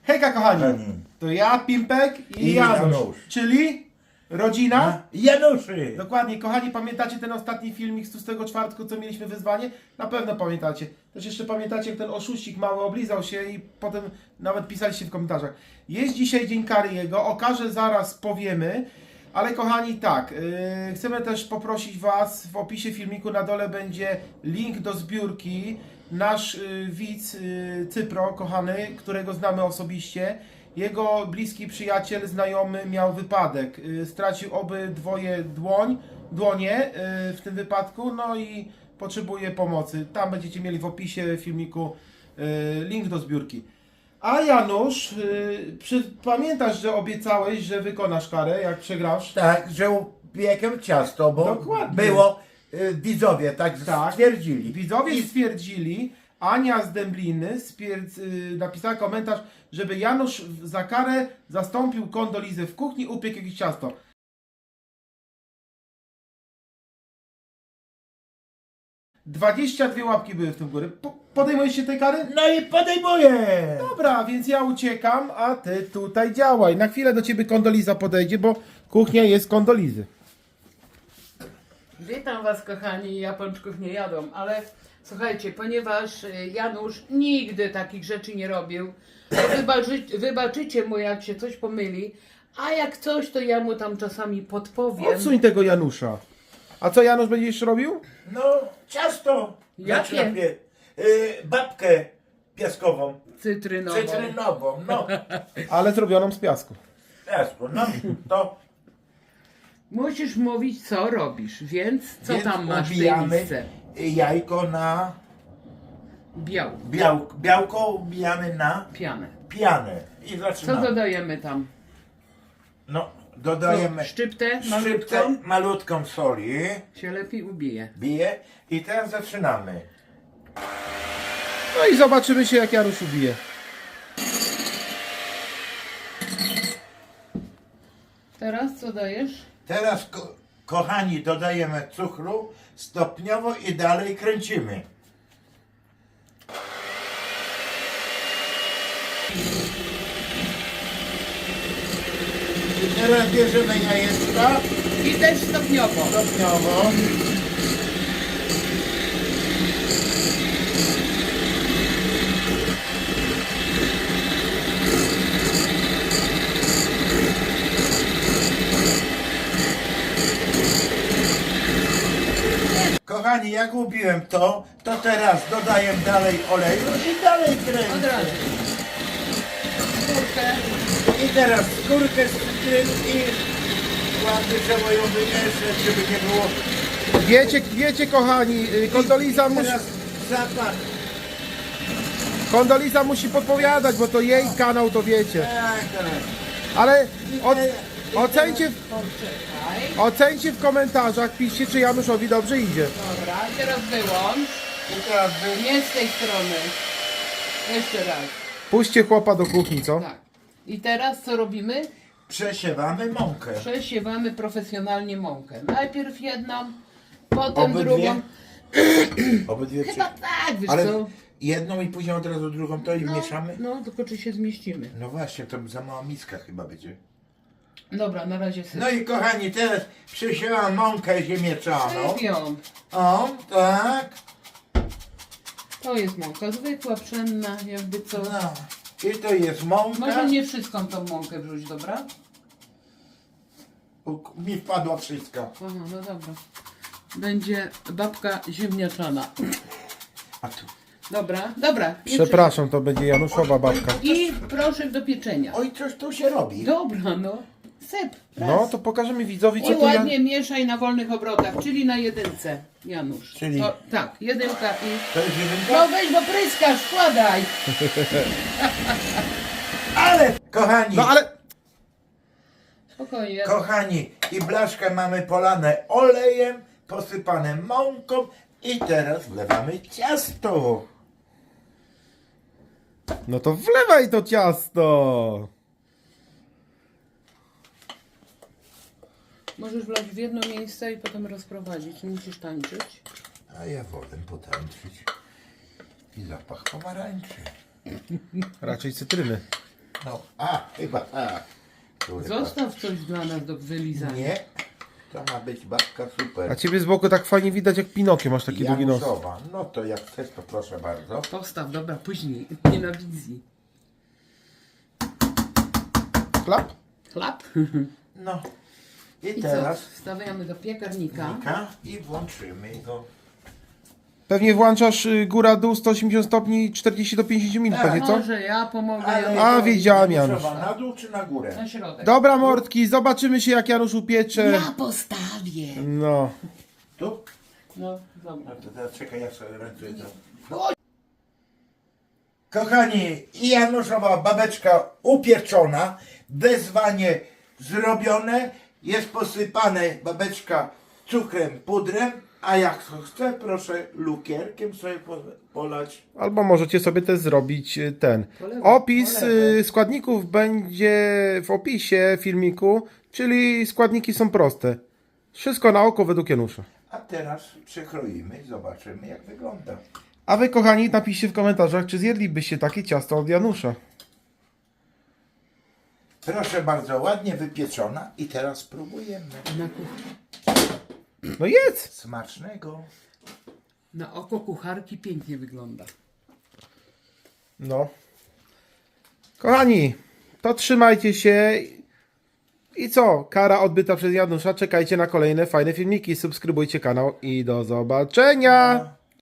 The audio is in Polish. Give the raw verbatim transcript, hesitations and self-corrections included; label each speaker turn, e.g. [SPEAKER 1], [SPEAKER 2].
[SPEAKER 1] Hejka kochani,
[SPEAKER 2] Kochani.
[SPEAKER 1] to ja, Pimpek i,
[SPEAKER 2] I
[SPEAKER 1] Janusz,
[SPEAKER 2] Janusz.
[SPEAKER 1] czyli rodzina.
[SPEAKER 2] Januszy!
[SPEAKER 1] Dokładnie, kochani, pamiętacie ten ostatni filmik z tłustego czwartku, co mieliśmy wyzwanie? Na pewno pamiętacie. Też jeszcze pamiętacie, jak ten oszuścik mały oblizał się i potem nawet pisaliście w komentarzach. Jest dzisiaj dzień kary jego, okaże zaraz powiemy, ale kochani, tak, yy, chcemy też poprosić Was, w opisie filmiku na dole będzie link do zbiórki. Nasz yy, widz yy, Cypro, kochany, którego znamy osobiście, jego bliski przyjaciel, znajomy miał wypadek. Yy, stracił obydwoje dłoń, dłonie yy, w tym wypadku, no i potrzebuje pomocy. Tam będziecie mieli w opisie filmiku yy, link do zbiórki. A Janusz, yy, przy, pamiętasz, że obiecałeś, że wykonasz karę, jak przegrasz?
[SPEAKER 2] Tak, że upiekłem ciasto, bo
[SPEAKER 1] Dokładnie.
[SPEAKER 2] było, y, widzowie tak,
[SPEAKER 1] Tak.
[SPEAKER 2] stwierdzili.
[SPEAKER 1] Widzowie
[SPEAKER 2] I
[SPEAKER 1] stwierdzili, Ania z Dębliny stwierdz, yy, napisała komentarz, żeby Janusz za karę zastąpił Kondolizę w kuchni, upiekł jakieś ciasto. dwadzieścia dwie łapki były w tym góry. Po, podejmujesz się tej kary?
[SPEAKER 2] No i podejmuję!
[SPEAKER 1] Dobra, więc ja uciekam, a ty tutaj działaj. Na chwilę do ciebie Kondoliza podejdzie, bo kuchnia jest Kondolizy.
[SPEAKER 3] Witam Was, kochani, ja pączków nie jadą, ale słuchajcie, ponieważ y, Janusz nigdy takich rzeczy nie robił, to wybaczy, wybaczycie mu, jak się coś pomyli, a jak coś, to ja mu tam czasami podpowiem.
[SPEAKER 1] Odsuń tego Janusza. A co Janusz będzie jeszcze robił?
[SPEAKER 2] No, ciasto.
[SPEAKER 3] Jakie?
[SPEAKER 2] Znaczy, pie- y, babkę piaskową,
[SPEAKER 3] Cytrynową.
[SPEAKER 2] cytrynową, no,
[SPEAKER 1] Ale zrobioną z piasku.
[SPEAKER 2] piasku, no, to
[SPEAKER 3] Musisz mówić, co robisz, więc co
[SPEAKER 2] więc
[SPEAKER 3] tam masz w tej
[SPEAKER 2] ubijamy
[SPEAKER 3] misce?
[SPEAKER 2] jajko na
[SPEAKER 3] Biał,
[SPEAKER 2] białko, białko ubijamy na
[SPEAKER 3] pianę.
[SPEAKER 2] pianę i
[SPEAKER 3] Co
[SPEAKER 2] zaczynamy.
[SPEAKER 3] dodajemy tam?
[SPEAKER 2] No, dodajemy
[SPEAKER 3] Szczyptę
[SPEAKER 2] szczyptę
[SPEAKER 3] malutką
[SPEAKER 2] malutką soli,
[SPEAKER 3] się lepiej ubije.
[SPEAKER 2] bije i teraz zaczynamy.
[SPEAKER 1] No i zobaczymy się, jak Janusz ubije.
[SPEAKER 3] Teraz co dajesz?
[SPEAKER 2] Teraz, ko kochani, dodajemy cukru stopniowo i dalej kręcimy. I teraz bierzemy jajeczka
[SPEAKER 3] I też stopniowo.
[SPEAKER 2] stopniowo. Kochani, jak ubiłem to, to teraz dodaję dalej oleju i dalej
[SPEAKER 3] Od
[SPEAKER 2] kręcę.
[SPEAKER 3] razu. Skórkę.
[SPEAKER 2] I teraz skórkę z cytryn i ładnie trzeba ją wymieszać, żeby nie było.
[SPEAKER 1] Wiecie, wiecie kochani, y, Kondoliza musi,
[SPEAKER 2] Teraz zapach.
[SPEAKER 1] Kondoliza musi podpowiadać, bo to jej kanał, to wiecie.
[SPEAKER 2] Tak, tak.
[SPEAKER 1] Ale od,
[SPEAKER 2] I
[SPEAKER 1] ocencie,
[SPEAKER 3] Poczekaj.
[SPEAKER 1] ocencie w komentarzach, piszcie, czy Januszowi dobrze idzie.
[SPEAKER 3] Dobra, teraz wyłącz.
[SPEAKER 2] I teraz wy...
[SPEAKER 3] Nie z tej strony. Jeszcze raz.
[SPEAKER 1] Puśćcie chłopa do kuchni, co?
[SPEAKER 3] Tak. I teraz co robimy?
[SPEAKER 2] przesiewamy mąkę.
[SPEAKER 3] Przesiewamy profesjonalnie mąkę. Najpierw jedną, potem
[SPEAKER 2] Obydwie?
[SPEAKER 3] drugą.
[SPEAKER 2] Obydwie
[SPEAKER 3] Chyba
[SPEAKER 2] prze...
[SPEAKER 3] tak, wiesz
[SPEAKER 2] Ale
[SPEAKER 3] co?
[SPEAKER 2] jedną i później od razu drugą to i
[SPEAKER 3] No,
[SPEAKER 2] mieszamy?
[SPEAKER 3] no, tylko czy się zmieścimy.
[SPEAKER 2] No właśnie, to za mała miska chyba będzie.
[SPEAKER 3] Dobra, na razie syp.
[SPEAKER 2] No i kochani, teraz przesiewam mąkę ziemniaczaną.
[SPEAKER 3] Sypią.
[SPEAKER 2] O, tak.
[SPEAKER 3] To jest mąka zwykła, pszenna, jakby co.
[SPEAKER 2] No. I to jest mąka.
[SPEAKER 3] Może nie wszystką tą mąkę wrzuć, dobra?
[SPEAKER 2] U, mi wpadła wszystko.
[SPEAKER 3] Aha, no dobra. Będzie babka ziemniaczana.
[SPEAKER 2] A tu.
[SPEAKER 3] Dobra, dobra. nie
[SPEAKER 1] Przepraszam, to będzie Januszowa babka.
[SPEAKER 3] I proszek do pieczenia.
[SPEAKER 2] Oj, coś tu się robi.
[SPEAKER 3] Dobra, no. Syp. Raz.
[SPEAKER 1] No, to pokażemy widzowi, co
[SPEAKER 3] I
[SPEAKER 1] tu Jan...
[SPEAKER 3] ładnie mieszaj na wolnych obrotach, czyli na jedynce, Janusz.
[SPEAKER 2] Czyli-
[SPEAKER 3] To, tak, jedynka i...
[SPEAKER 2] To jest jedynka?
[SPEAKER 3] No weź, bo pryskasz, wkładaj.
[SPEAKER 2] Ale, kochani,
[SPEAKER 1] No ale...
[SPEAKER 3] Spokojnie.
[SPEAKER 2] kochani, i blaszkę mamy polane olejem, posypane mąką i teraz wlewamy ciasto.
[SPEAKER 1] No to wlewaj to ciasto!
[SPEAKER 3] Możesz wlać w jedno miejsce i potem rozprowadzić, nie musisz tańczyć.
[SPEAKER 2] A ja wolę potańczyć. I zapach pomarańczy.
[SPEAKER 1] Raczej cytryny.
[SPEAKER 2] No, a, chyba tak. Kurwa.
[SPEAKER 3] Zostaw coś dla nas do wylizania.
[SPEAKER 2] Nie, to ma być babka super.
[SPEAKER 1] A ciebie z boku tak fajnie widać jak Pinokio, masz taki długi nos.
[SPEAKER 2] Januszowa. No to jak chcesz, to proszę bardzo.
[SPEAKER 3] Postaw, dobra, później. Nie na wizji.
[SPEAKER 1] Klap?
[SPEAKER 3] Chlap.
[SPEAKER 2] No. I,
[SPEAKER 3] I co?
[SPEAKER 2] teraz
[SPEAKER 3] Wstawiamy do piekarnika.
[SPEAKER 2] Nika i włączymy go.
[SPEAKER 1] Pewnie włączasz y, góra dół sto osiemdziesiąt stopni czterdzieści do pięćdziesięciu minut,
[SPEAKER 2] Tak.
[SPEAKER 1] pewnie co?
[SPEAKER 3] Może ja pomogę.
[SPEAKER 2] Ale
[SPEAKER 3] ja
[SPEAKER 1] A, wiedziałem, Janusz.
[SPEAKER 2] Januszowa, na dół czy na górę?
[SPEAKER 3] na środek.
[SPEAKER 1] Dobra mordki, zobaczymy się jak Janusz upiecze.
[SPEAKER 3] Ja postawię.
[SPEAKER 1] No.
[SPEAKER 2] Tu?
[SPEAKER 3] No, dobra.
[SPEAKER 2] No to teraz czekaj, ja sobie ręce to. Kochani, i Januszowa babeczka upieczona, wezwanie zrobione, jest posypane babeczka cukrem, pudrem, a jak chce, proszę lukierkiem sobie po- polać.
[SPEAKER 1] Albo możecie sobie też zrobić y, ten.
[SPEAKER 3] Polewę,
[SPEAKER 1] Opis
[SPEAKER 3] polewę.
[SPEAKER 1] y, składników będzie w opisie filmiku, czyli składniki są proste. Wszystko na oko według Janusza.
[SPEAKER 2] A teraz przekroimy, zobaczymy jak wygląda.
[SPEAKER 1] A wy kochani napiszcie w komentarzach, czy zjedlibyście takie ciasto od Janusza.
[SPEAKER 2] Proszę bardzo, ładnie wypieczona i teraz spróbujemy.
[SPEAKER 3] Na, kuch-
[SPEAKER 1] No jedz!
[SPEAKER 2] Smacznego.
[SPEAKER 3] na oko kucharki pięknie wygląda.
[SPEAKER 1] No. Kochani, to trzymajcie się. I co? Kara odbyta przez Janusza. Czekajcie na kolejne fajne filmiki. Subskrybujcie kanał i do zobaczenia!